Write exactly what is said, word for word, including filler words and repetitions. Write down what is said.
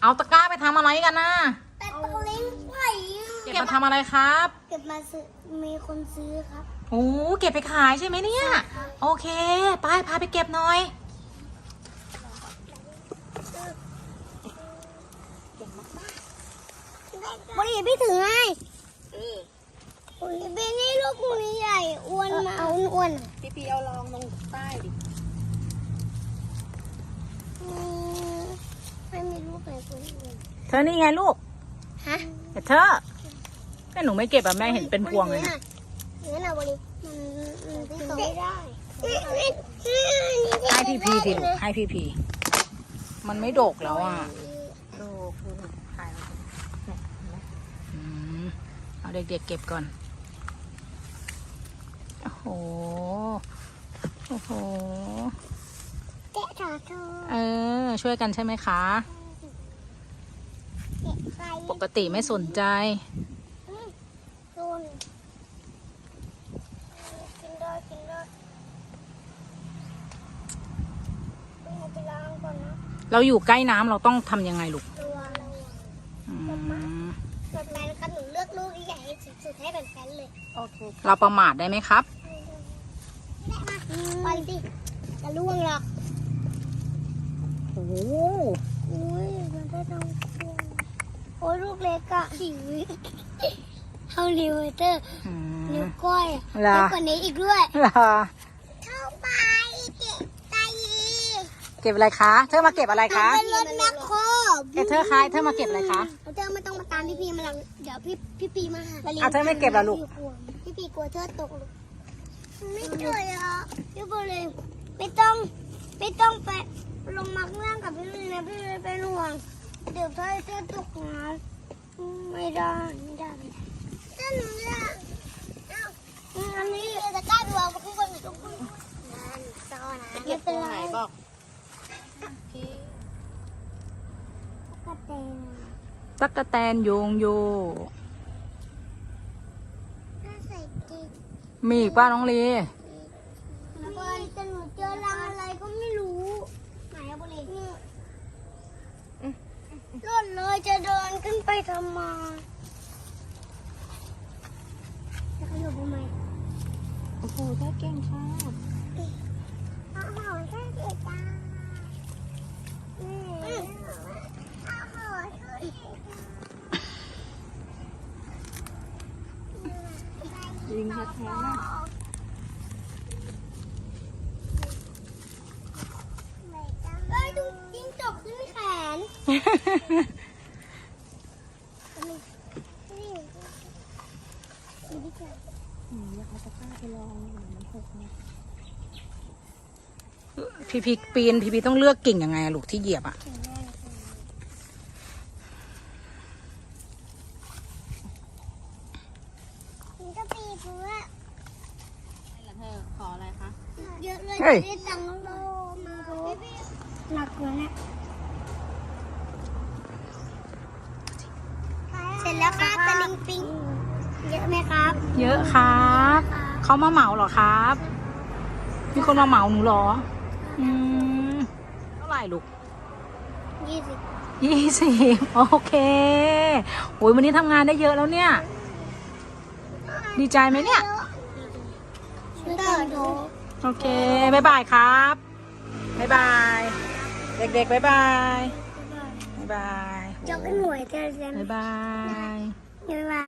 เอาตะกร้าไปทำอะไรกันนะแต่ตะเล้งไผ่เก็บมาทำอะไรครับเก็บมาซื้อมีคนซื้อครับโอ้เก็บไปขายใช่ไหมเนี่ยโอเคไปพาไปเก็บหน่อยบริพี่ถือให้โอ้ยเบนนี่ลูกนี้ใหญ่อ้วนมาเอาอ้วนพี่พีเอาลองลงใต้ดิไม่มีลูกไหนคนอื่นเธอนี่ไงลูกฮะแต่เธอแม่หนูไม่เก็บอะแม่เห็นเป็นพวงเลยนะเนื้อหนาบริมันมันถือไม่ได้ให้พี่พีทีลูกให้พี่พีมันไม่โดกแล้วอ่ะดูคือถ่ายอืมเอาเด็กๆเก็บก่อนโอ้โหโอ้โหแกะขาเธอเออช่วยกันใช่ไหมคะแกะไข่ปกติไม่สนใจโดนกินได้กินได้ต้องไปล้างก่อนนะเราอยู่ใกล้น้ำเราต้องทำยังไงลูกตัวเราอืมแบบนั้นครับหนูเลือกลูกที่ใหญ่ที่สุดให้เป็นแฟนเลยโอเคเราประมาทได้ไหมครับได้มาไปสิจะล่วงหรอกโอ้โหอุ้ยมันได้ต้องล่วงโอ้ยลูกเล็กอะหิวเท่านิ้วเตอร์อืมนิ้วก้อยอะเหรอเล็กกว่านี้อีกด้วยเหรอเข้าไปเจ็บใจเก็บอะไรคะเธอมาเก็บอะไรคะเป็นรถแมคโครเอเธอคะเธอมาเก็บอะไรคะเธอไม่ต้องมาตามพี่พีมาหลังเดี๋ยวพี่พี่พีมาหาอ่ะเธอไม่เก็บเหรอลูกพี่พีกลัวเธอตกลูกไม่เจออ่ะพี่พีเลยไม่ต้องไม่ต้องไปลงมาข้างล่างกับพี่เลยนะพี่เลยเป็นห่วงเดี๋ยวเธอจะตกน้ำไม่ได้ไม่ได้ไม่ได้ถ้าหนูจะเอ้าอันนี้จะกล้าไปวางกับข้างบนหรือตรงบนนั่นซ้อนะเก็บตัวไหนบอกกระเตงตั๊กแตนโยงโยถ้าใส่กิ๊กมีอีกป้าน้องลีแล้วก็แต่หนูเจอรังอะไรก็ไม่รู้ไหนอะบุรีหล่นเลยจะเดินขึ้นไปทำไมจะขยับทำไมโอ้โหถ้าเก่งค่ะอ้าวแค่เด็กจ้าอืมอ้าวช่วยยิงแท้ๆนะเอ้ยดูจิ้งจกขึ้นแขนนี่ดูดิจ้ะอืมอยากเอาตะกร้าไปลองเหมือนมันหกเนี่ยพี่พีปีนพี่พีต้องเลือกกิ่งยังไงอะลูกที่เหยียบอะมันก็ปีเพราะว่าแล้วเธอขออะไรคะเยอะเลยจะได้ตังค์โลมาหนักเลยเนี่ยเสร็จแล้วครับตะลิงปิงเยอะไหมครับเยอะครับเขามาเหมาเหรอครับ มีคนมาเหมาหนูเหรออืมเท่าไหร่ลูกยี่สิบยี่สิบโอเคโอ้ยวันนี้ทำงานได้เยอะแล้วเนี่ย ดีใจไหมเนี่ยเติร์ดโโอเคบายบายครับบายบาย เด็กๆบายบายบายบายจะเป็นหน่วยเธอจะบายบายบ๊ายบาย